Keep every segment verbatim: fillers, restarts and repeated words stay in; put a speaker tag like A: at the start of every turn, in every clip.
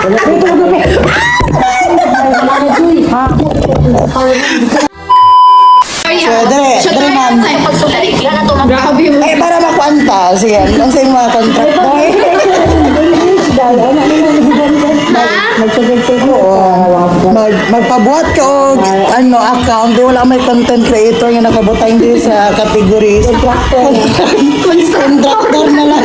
A: So, dere, dere ma'am. Eh, para makwanta. Sige, ang sa mga contract mo. Mag, magpabuhat ka o ano, account. Di wala may content creator nga nakabutang din sa categories. Contractor na lang.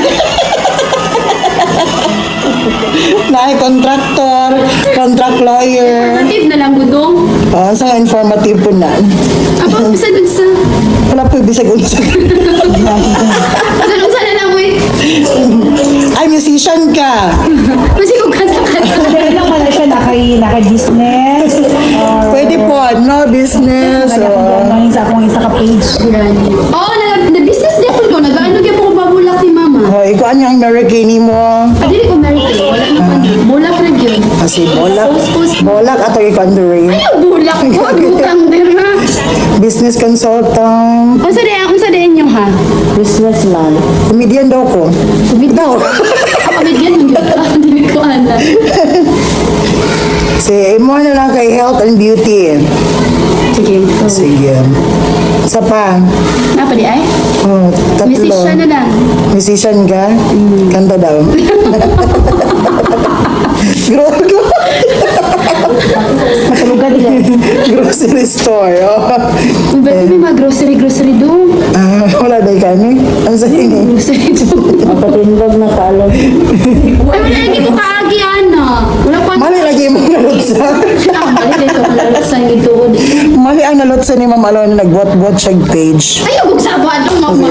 A: Na contractor, contract lawyer.
B: Informative na lang, budong.
A: Oh, sa informative po na.
B: Ako, bisa dun sa...
A: Wala po bisag unsa.
B: Sa na lang, wait.
A: Ay, musician ka.
B: Kasi kung kanta-kanta.
C: Dahil lang pala siya naka- naka-business. or
A: Pwede po, no business. Oh.
C: Naging sa akong isa ka-page.
B: Oo, oh, na-business din ko. Nag-ano kaya po ko babulak ni mama.
A: Oh, ikaw ano yung Amerikani mo?
B: Ah, dili ko American. Wala na pa. Bulak na yun.
A: Kasi bolak.
B: Post-post.
A: Bolak ato i-conjuring.
B: Ano bulak ko? Butang din ha.
A: Business consultant.
B: Kung sa din, kung sa din nyo ha.
C: Businessman.
A: Comedian daw ko. Daw.
B: Kapamigyan mo yun. Hindi ko alam.
A: Si mo na lang kay health and beauty.
B: Sige.
A: Sige. Isa pa.
B: Napa di ay?
A: Oh, tatlo.
B: Musician na lang.
A: Musician ka? Kanta daw. Grogo.
C: Matulugan din.
A: Grocery store. Oh.
B: Ba't may mga grocery-grocery doon?
A: Ah, wala dahi kami. Ang sabi ni.
B: Grocery doon.
C: Mapatindog na kaalam.
B: Ay, wala lagi ko kaagi, Ana. Wala pa.
A: Mali lagi mo nalutsa.
B: Ah, mali dito. Wala sa ito.
A: Mali ang nalutsa ni Ma'am Alon na nag-bot-bot siya page.
B: Ayaw, huwag sa abuan ng mama.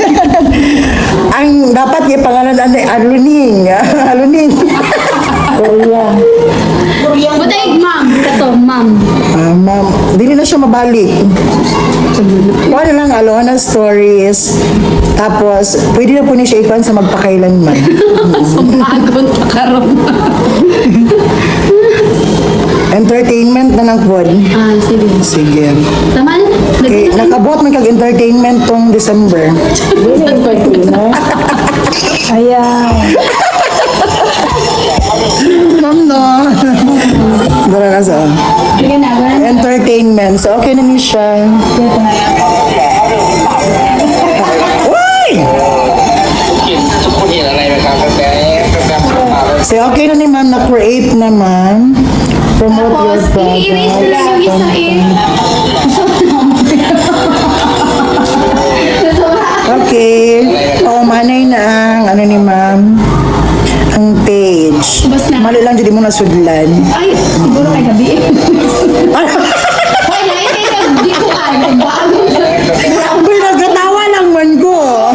A: Ang dapat yung pangalan ay Aluning. Aluning.
C: Korea.
B: Butay, ma'am. Kato, ma'am.
A: Ah, ma'am, dili na siya mabalik. Kuha na lang Alona stories. Tapos, pwede na po niya siya ikuan sa magpakailanman.
B: Sumpagod pa karon.
A: Entertainment na lang po.
B: Ah, sige.
A: Sige.
B: Tama na.
A: Okay, nakabot man kag-entertainment tong December.
C: Hindi na entertainer. Ayan.
A: Ma'am, no. Dara na sa
B: Sige na, wala na.
A: entertainment. So, okay na niya siya. Uy! So, okay na ni ma'am, na-create naman. Promote your
B: Tapos, i-erase na lang yung isa eh.
A: Okay. Oh, manay na ang, ano ni ma'am, ang page.
B: Bas na.
A: Mali lang, hindi mo nasudlan.
B: Ay, siguro kay gabi eh. Hoy, na eh, kaya di ko ano, bago.
A: Uy, nagkatawa lang man ko.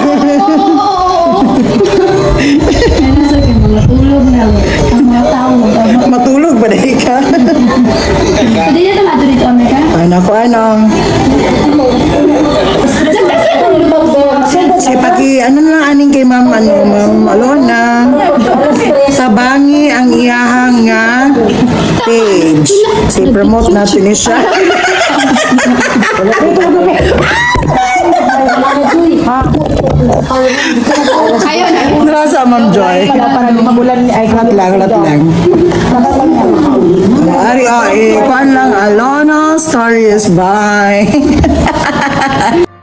B: Ano sa akin, mga tulog na. Ang mga tao, mag-
A: Matulog ba dahil ka?
B: Pwede na tama dito, Amerika?
A: Ano ko, ano?
B: Kasi kung lumag ko,
A: Sige, paki, ano na lang aning kay ma'am, ano, ma'am Alona. Tabangi ang iyahang nga page. Sige, promote natin ni siya.
B: ayaw na.
A: Nasa, ma'am Joy.
C: Parang magulan ay
A: Lat lang, lat lang. Ari, oh, eh, kuan lang, Alona Stories, bye.